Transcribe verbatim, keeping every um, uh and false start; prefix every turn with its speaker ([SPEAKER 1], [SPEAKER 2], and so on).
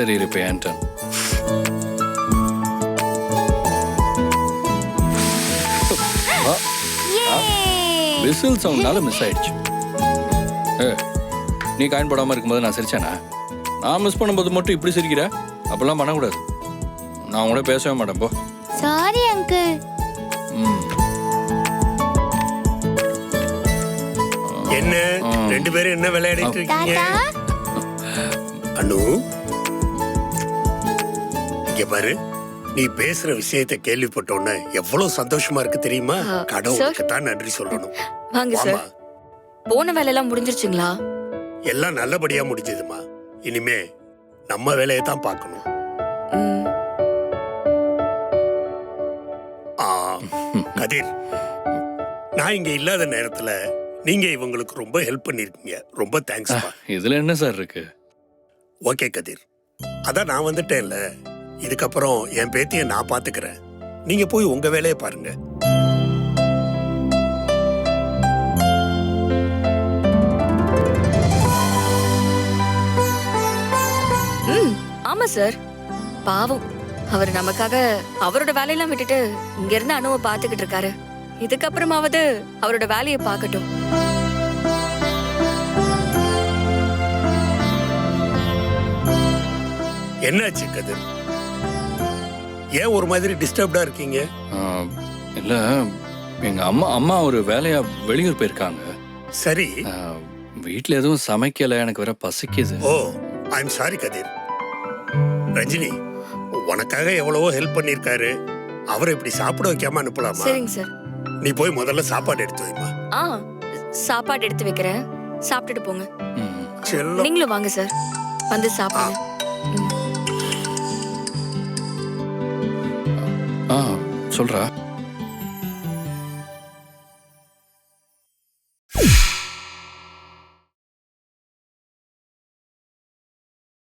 [SPEAKER 1] சரி இப்போ என் turn. விசில் சவுண்ட்னால மிஸ் ஆயிடுச்சு. ஏ நீ காயின் போடாமல் இருக்கும்போது நான் சிரிச்சேனா? நான் மிஸ் பண்ணும்போது மட்டும் இப்படி சிரிக்கிற? அப்பெல்லாம் பண்ணக்கூடாது. நான் கூட பேசவே மாட்டேன் போ.
[SPEAKER 2] Sorry uncle.
[SPEAKER 1] ம்
[SPEAKER 3] என்ன ரெண்டு பேரும் என்ன விளையாடிட்டு இருக்கீங்க? அனு இங்க பாரு, நீ பேசுற விஷயத்தை கேள்விப்பட்டோன்னு எவ்வளவு சந்தோஷமா இருக்கு தெரியுமா? கடவுளுக்கு தான் நன்றி சொல்லணும்.
[SPEAKER 4] வாங்க சார். போன வேலையெல்லாம் முடிஞ்சிருச்சுங்களா?
[SPEAKER 3] எல்லாம் நல்லபடியா முடிஞ்சதுமா. இனிமே நம்ம வேலையை தான் பார்க்கணும். கதிர், நான் இங்க இல்லாத நேரத்துல நீங்க இவங்களுக்கு ரொம்ப ஹெல்ப் பண்ணிருக்கீங்க. ரொம்ப தேங்க்ஸ்.
[SPEAKER 1] இதுல என்ன சார் இருக்கு?
[SPEAKER 3] ஓகே கதிர், அதான் நான் வந்துட்டேன்ல. இதுக்கப்புறம் என் பேத்திய நான் பாத்துக்கிறேன். நீங்க போய் உங்க வேலையை பாருங்க.
[SPEAKER 4] ம் ஆமா சார். பாவம், அவர் நமக்காக அவரோட வேலையெல்லாம் விட்டுட்டு இங்க இருந்து அனுவை பாத்துக்கிட்டு இருக்காரு. இதுக்கப்புறமாவது அவரோட வேலையை பார்க்கட்டும்.
[SPEAKER 3] என்னாச்சு கதிர்? ஏன் ஒரு மாதிரி டிஸ்டர்ப்டா இருக்கீங்க?
[SPEAKER 1] இல்ல, எங்க அம்மா அம்மா ஒரு வேலையா வெளியூர் போயிருக்காங்க.
[SPEAKER 3] சரி.
[SPEAKER 1] வீட்டுல எதுவும் சமைக்கல, எனக்கு வேற பசிக்குது.
[SPEAKER 3] ஓ, I am sorry Kathir. Rajini, உனக்காக எவ்வளவோ ஹெல்ப் பண்ணிருக்காரு. அவரை இப்படி சாப்பிட வைக்காம அனுப்பலாமா?
[SPEAKER 4] சரிங்க சார்.
[SPEAKER 3] நீ போய் முதல்ல சாப்பாடு எடுத்து வைமா.
[SPEAKER 4] ஆ சாப்பாடு எடுத்து வைக்கிறேன், சாப்பிட்டுட்டு போங்க.
[SPEAKER 3] செல்லம்,
[SPEAKER 4] நீங்களும் வாங்க சார், வந்து சாப்பிடுங்க.
[SPEAKER 1] ஆ சொல்றா.